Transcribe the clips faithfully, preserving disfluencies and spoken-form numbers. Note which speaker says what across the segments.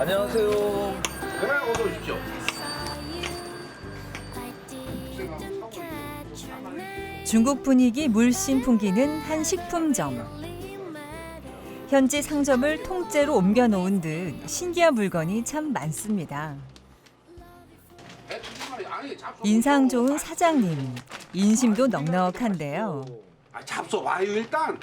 Speaker 1: 안녕하세요.
Speaker 2: 네, 어서 오십시오.
Speaker 3: 중국 분위기 물씬 풍기는 한 식품점. 현지 상점을 통째로 옮겨놓은 듯 신기한 물건이 참 많습니다. 인상 좋은 사장님, 인심도 넉넉한데요.
Speaker 2: 아, 잡숴 와요 일단.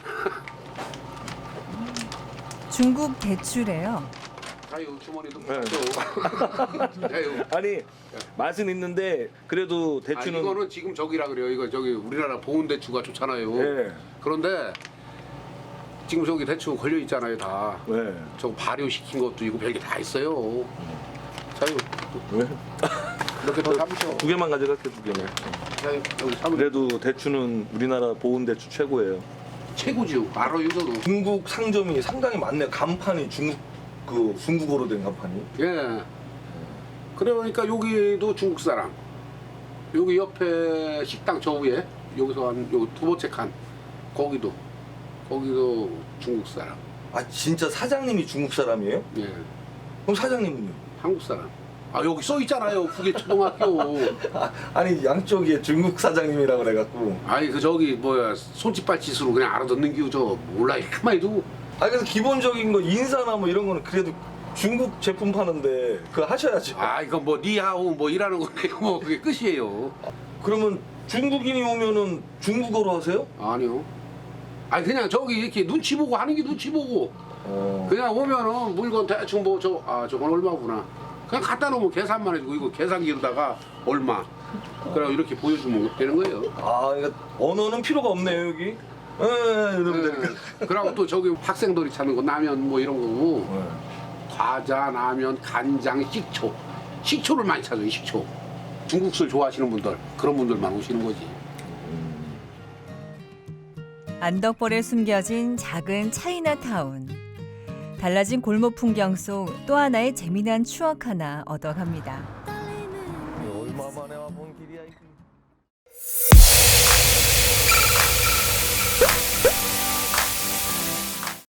Speaker 3: 중국 대추래요.
Speaker 2: 자유 주머니도
Speaker 1: 네.
Speaker 2: 네. 자유.
Speaker 1: 아니 맛은 있는데 그래도
Speaker 2: 아,
Speaker 1: 대추는
Speaker 2: 이거는 지금 저기라 그래요. 이거 저기 우리나라 보온 대추가 좋잖아요.
Speaker 1: 네.
Speaker 2: 그런데 지금 저기 대추 걸려 있잖아요 다.
Speaker 1: 네.
Speaker 2: 저 발효시킨 것도 있고 별게 다 있어요. 자유
Speaker 1: 왜?
Speaker 2: 이렇게 더 잡으셔.
Speaker 1: 두 개만 가져갈게 두 개만.
Speaker 2: 자유 여기 잡으.
Speaker 1: 그래도 대추는 우리나라 보온 대추 최고예요.
Speaker 2: 최고지요. 알아요 저도.
Speaker 1: 중국 상점이 상당히 많네요. 간판이 중국 그 중국어로 된 간판이.
Speaker 2: 예. 그러니까 여기도 중국 사람. 여기 옆에 식당 저 위에 여기서 한 요 두 번째 칸 거기도 거기도 중국 사람.
Speaker 1: 아 진짜 사장님이 중국 사람이에요?
Speaker 2: 예.
Speaker 1: 그럼 사장님은요?
Speaker 2: 한국 사람. 아 여기 써 있잖아요. 북의 초등학교.
Speaker 1: 아, 아니 양쪽에 중국 사장님이라고 그래갖고.
Speaker 2: 아니 그 저기 뭐야 손짓발짓으로 그냥 알아듣는 기우 저 몰라 가만히 두고.
Speaker 1: 아 그래서 기본적인 거 인사나 뭐 이런 거는 그래도 중국 제품 파는데 그거 하셔야죠.
Speaker 2: 아 이거 뭐 니하오 뭐 이라는 거예요. 뭐 그게 끝이에요.
Speaker 1: 그러면 중국인이 오면은 중국어로 하세요?
Speaker 2: 아니요. 아니 그냥 저기 이렇게 눈치 보고 하는 게 눈치 보고.
Speaker 1: 어.
Speaker 2: 그냥 오면은 물건 대충 뭐 저 아 저건 얼마구나. 그냥 갖다 놓으면 계산만 해주고 이거 계산기로다가 얼마. 그리고 이렇게 보여주면 되는 거예요.
Speaker 1: 아, 그러니까 언어는 필요가 없네요 여기. 에 이러면 되니까.
Speaker 2: 네. 그리고 또 저기 학생들이 찾는 거 라면 뭐 이런 거고
Speaker 1: 네.
Speaker 2: 과자, 라면, 간장, 식초. 식초를 많이 찾아요. 식초. 중국술 좋아하시는 분들 그런 분들만 오시는 거지.
Speaker 3: 안덕벌에 숨겨진 작은 차이나타운. 달라진 골목 풍경 속 또 하나의 재미난 추억 하나 얻어갑니다.
Speaker 1: 얼마 만에 와본 길이야 이게.